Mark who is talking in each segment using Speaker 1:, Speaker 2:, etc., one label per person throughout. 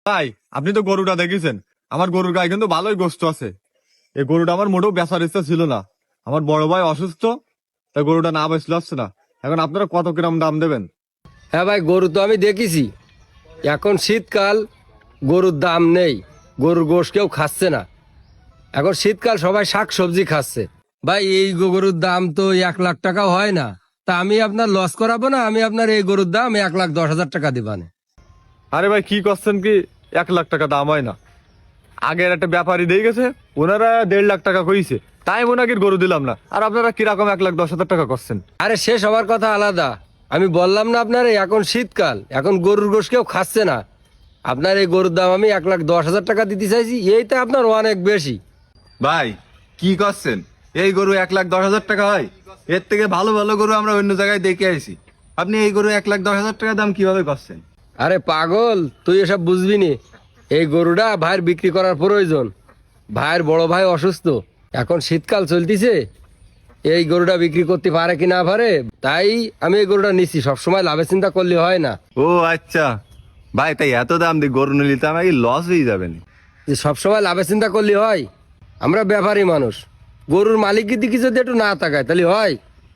Speaker 1: ভাই আপনি তো গরুটা দেখেছেন, আমার গরুর গায়ে কিন্তু ভালোই গোস্ত আছে। এই গরুটা আমার মোটেও বেচার ইচ্ছা ছিল না, আমার বড় ভাই অসুস্থ, তাই গরুটা না বেচলে আসছে না। এখন আপনারা কত কিরম দাম দেবেন?
Speaker 2: হ্যাঁ ভাই, গরু তো আমি দেখেছি। এখন শীতকাল, গরুর দাম নেই, গরুর গোশ কেউ খাচ্ছে না। এখন শীতকাল সবাই শাক সবজি খাচ্ছে। ভাই এই গরুর দাম তো 1 লাখ টাকাও হয় না। তা আমি আপনার লস করাবো না, আমি আপনার এই গরুর দাম 1,10,000 টাকা দিবানে।
Speaker 1: আরে ভাই কি করছেন কি, 1 লাখ টাকা দাম হয় না। আগের একটা ব্যাপারী দিয়ে গেছে, ওনারা 1.5 লাখ টাকা কইছে, তাই ওনাকে গরু দিলাম না। আর আপনারা কিরকম 1,10,000 টাকা করছেন?
Speaker 2: আরে সে সবার কথা আলাদা। আমি বললাম না আপনার এখন শীতকাল, এখন গরুর গোশ কেউ খাচ্ছে না। আপনার এই গরুর দাম আমি 1,10,000 টাকা দিতে চাইছি, এইটা আপনার অনেক বেশি।
Speaker 3: ভাই কি করছেন? এই গরু 1,10,000 টাকা হয়? এর থেকে ভালো ভালো গরু আমরা অন্য জায়গায় দেখে আইছি। আপনি এই গরু 1,10,000 টাকা দাম কিভাবে করছেন?
Speaker 2: আরে পাগল, তুই এসব বুঝবি নি। এই গরুটা ভাইয়ের বিক্রি করার প্রয়োজন। ভাইয়ের বড় ভাই অসুস্থ, এখন শীতকাল চলতিছে, এই গরুটা বিক্রি করতে পারে কি না পারে, তাই আমি এই গরুটা নিছি। সবসময় লাভের চিন্তা করলে হয় না।
Speaker 3: ও আচ্ছা ভাই, তাই এত দাম দিয়ে গরু নিলে তো আমার লস হয়ে যাবে না?
Speaker 2: যে সবসময় লাভের চিন্তা করলে হয়? আমরা ব্যাপারী মানুষ, গরুর মালিকের দিকে যদি একটু না তাকায় তাহলে হয়?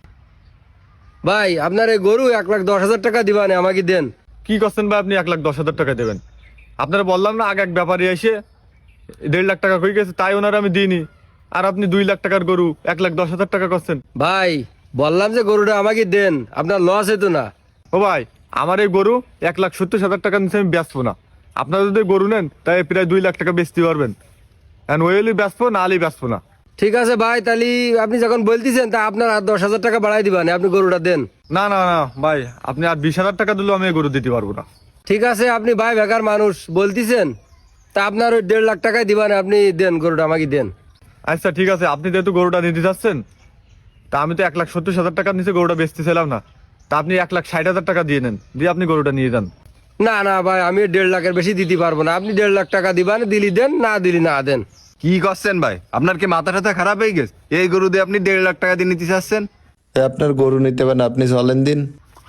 Speaker 2: ভাই আপনার এই গরু 1,10,000 টাকা দিবানে, আমাকে দেন।
Speaker 1: কি করছেন ভাই, আপনি 1,10,000 টাকা দেবেন? আপনারা বললাম না, আগে এক ব্যাপারী এসে 1.5 লাখ টাকা কই গেছে, তাই ওনারা আমি দিইনি। আর আপনি 2 লাখ টাকার গরু 1,10,000 টাকা করছেন।
Speaker 2: ভাই বললাম যে গরুটা আমাকে দেন, আপনার লস হতো না।
Speaker 1: ও ভাই, আমার এই গরু 1,70,000 টাকা নিচে আমি বেচবো না। আপনারা যদি গরু নেন তাই প্রায় 2 লাখ টাকা বেচতে পারবেন। এখন ওই হলে বেচবো, না হলে বেচবো না।
Speaker 2: ঠিক আছে ভাই, তাহলে আপনি যখন বলতেছেন তা আপনার আর 10,000 টাকা বাড়াই দিবেন, আপনি গরুটা দেন।
Speaker 1: না না না ভাই, আপনি আর 20,000 টাকা দিলেও আমি এই গরু দিতে পারবো না।
Speaker 2: ঠিক আছে, আপনি ভাই বেকার মানুষ বলতেছেন, তা আপনার ওই 1.5 লাখ টাকাই দিবেন, আপনি দেন গরুটা আমাকে দেন।
Speaker 1: আচ্ছা ঠিক আছে, আপনি যেহেতু গরুটা নিতে চাচ্ছেন, তা আমি তো 1,70,000 টাকার নিচে গরুটা বেচতেছিলাম না। তা আপনি 1,60,000 টাকা দিয়ে নেন, দিয়ে আপনি গরুটা নিয়ে যান।
Speaker 2: না না ভাই, আমি 1.5 লাখের বেশি দিতে পারবো না। আপনি 1.5 লাখ টাকা দিবেন, দিলি দেন, না দিলি না দেন।
Speaker 3: কি করছেন ভাই? আপনার কি মাথা টাথা খারাপ হয়ে গেছে? এই গরু দিয়ে আপনি 1.5 লাখ টাকা দিয়ে নিতে চাচ্ছেন?
Speaker 4: আপনার গরু নিতে পারেন, আপনি চলেন দিন।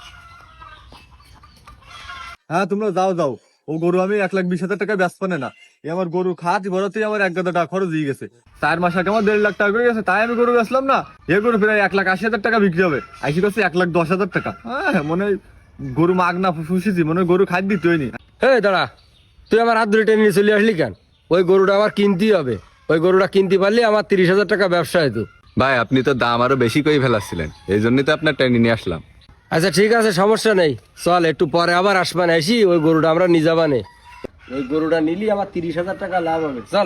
Speaker 1: হ্যাঁ তোমরা যাও যাও, ও গরু আমি 1,20,000 টাকা বেচবো না। এই আমার গরু খাওয়াতে বড়তেই আমার 1,000 টাকা খরচ দিয়ে গেছে। 4 মাস আগে আমার 1.5 লাখ টাকা হয়ে গেছে, তাই আমি গরু বেচলাম না। এই গরু প্রায় 1,80,000 টাকা বিক্রি হবে, আইসি করছে 1,10,000 টাকা। হ্যাঁ মনে হয় গরু মাগ না ফুসিছি, মনে হয় গরু খাদ্য দিতে হয়নি।
Speaker 2: এই দাঁড়া, তুই আমার হাত ধরে টেনে নিয়ে চলে আসলি কেন? ওই গরুটা আমার কিনতেই হবে। ওই গরুটা কিনতে পারলে আমার 30,000 টাকা ব্যবসা হতো।
Speaker 3: ভাই আপনি তো দাম আরো বেশি করে ফেলাচ্ছিলেন, এই জন্যই তো আপনার টেনে নিয়ে আসলাম।
Speaker 2: আচ্ছা ঠিক আছে, সমস্যা নেই, চল একটু পরে আবার আসবান আসি, ওই গরুটা আমরা নিয়ে যাবানে। ওই গরুটা নিলি আমার 30,000 টাকা লাভ হবে, চল।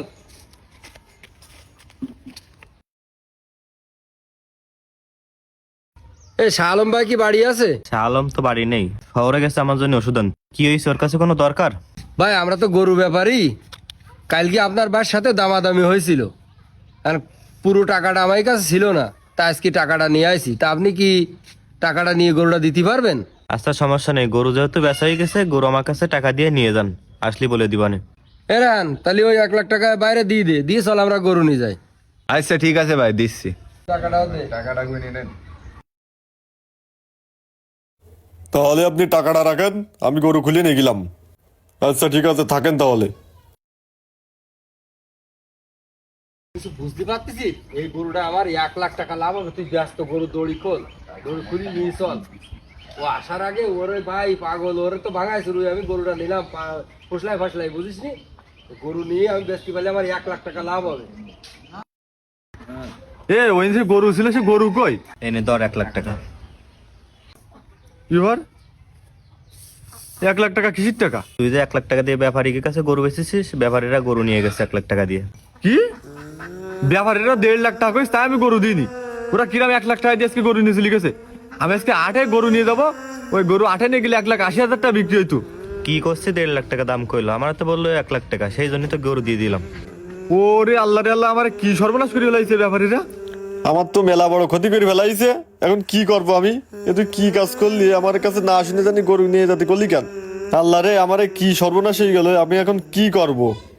Speaker 2: এই শাহ আলম ভাই কি বাড়ি আছে?
Speaker 5: আলম তো বাড়ি নেই, শহরে গেছে আমার জন্য ওষুধ আনতে। কি হয়েছে, ওর কাছে কোনো দরকার?
Speaker 2: ভাই আমরা তো গরু ব্যাপারী, কালকে আপনার ভাইয়ের সাথে দামাদামি হয়েছিল, আর পুরো টাকাটা আমার কাছে ছিল না, তা আজকে টাকাটা নিয়ে আসি। তা আপনি কি টাকাটা নিয়ে গরুটা দিতে পারবেন?
Speaker 5: আচ্ছা সমস্যা নেই, গরু যেহেতু বেচা হয়ে গেছে, গরু আমার কাছে টাকা দিয়ে নিয়ে যান, আসলি বলে দিবানে।
Speaker 2: এরান তাহলে ওই 1 লাখ টাকা বাইরে দিয়ে দে, দিয়ে চল আমরা গরু নিয়ে যাই।
Speaker 3: আচ্ছা ঠিক আছে ভাই, দিচ্ছি।
Speaker 2: টাকাটাও দে।
Speaker 3: টাকাটা গুনে নেন।
Speaker 1: তাহলে আপনি টাকাটা রাখেন, আমি গরু খুলে নিয়ে গেলাম। আচ্ছা ঠিক আছে, থাকেন তাহলে।
Speaker 2: কিছু বুঝতে পারতেছি, এই গরুটা আমার 1 লাখ টাকা লাভ হবে। তুই ব্যস্ত, গরু দড়ি খোল, গরু খুলি নিয়ে চল। ও আসার আগে ওরে ভাই পাগল, ওরে তো ভাঙাই শুরু। আমি গরুটা নিলাম ফসলাই ফসলাই, বুঝিস নি? গরু নিয়ে আমি বেচতে পারলে আমার 1 লাখ টাকা লাভ হবে।
Speaker 1: এ ওই যে গরু ছিল, সে গরু কই?
Speaker 5: এনে ধর 1 লাখ টাকা।
Speaker 1: এবার 1 লাখ টাকা কিসির টাকা?
Speaker 5: তুই যে 1 লাখ টাকা দিয়ে ব্যাপারীর কাছে গরু বেচেছিস, ব্যাপারীরা গরু নিয়ে গেছে 1 লাখ টাকা দিয়ে।
Speaker 1: কি ব্যাপারীরা 1.5 লাখ টাকা কইস, তাই আমি গরু দিইনি? ওরা কিরাম 1 লাখ টাকা দিয়ে আজকে গরু নিয়ে চলে গেছে। আমি আজকে 8-এ গরু নিয়ে যাবো, ওই গরু 8-এ নিয়ে গেলে 1,80,000 টাকা বিক্রি হইতো।
Speaker 5: কি করছে, 1.5 লাখ টাকা দাম কইলো, আমার তো বললো 1 লাখ টাকা, সেই জন্যই তো গরু দিয়ে দিলাম।
Speaker 1: ওরে আল্লাহ রে আল্লাহ, আমার কি সর্বনাশ করে ফেলাইছে ব্যাপারীরা।
Speaker 6: আমার তো মেলা বড় ক্ষতি করে ফেলাইছে, এখন কি করবো আমি? এ তুই কি কাজ করলি? আমার কাছে না শুনে জানি গরু নিয়ে যেতে করলি কেন? আল্লাহ রে, আমারে কি সর্বনাশ হয়ে গেল, আমি এখন কি করব?